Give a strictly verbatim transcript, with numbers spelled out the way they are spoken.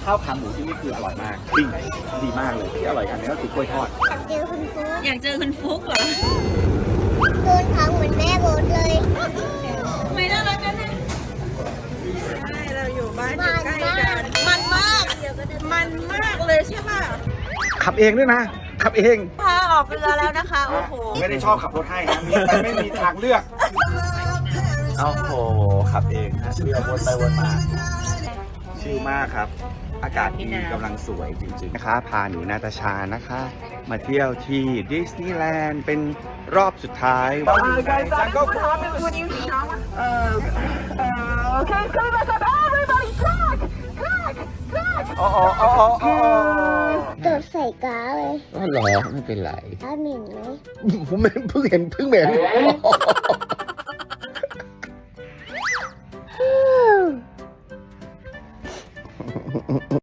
ข้าวขาหมูที่นี่คืออร่อยมากปิ้งดีมากเลยที่อร่อยอันนี้ก็คือกล้วยทอดอยากเจอคุณฟุ๊กอยากเจอคุณฟุ๊กเหรอโดนท้องเหมือนแม่โบทเลยไม่น่ารักกันนะใช่เราอยู่บ้านอยู่ใกล้กันมันมาก มันมากเลยใช่ป่ะขับเองด้วยนะขับเองพาออกเรือแล้วนะคะโอ้โหไม่ได้ชอบขับรถให้นะมีแต่ไม่มีทางเลือกโอ้โหขับเองฮะเรือวนไปวนมาชิลมากครับ อากาศดีกำลังสวยจริงๆนะคะพาหนูนาตาชานะคะ มาเที่ยวที่ดิสนีย์แลนด์เป็นรอบสุดท้ายจังก็โอ้โอ้โอ้โอ้โดดใส่กาเลยก็หรอไม่เป็นไรกาเหม็นไหมผมเพิ่งเห็นเพิ่งเห็น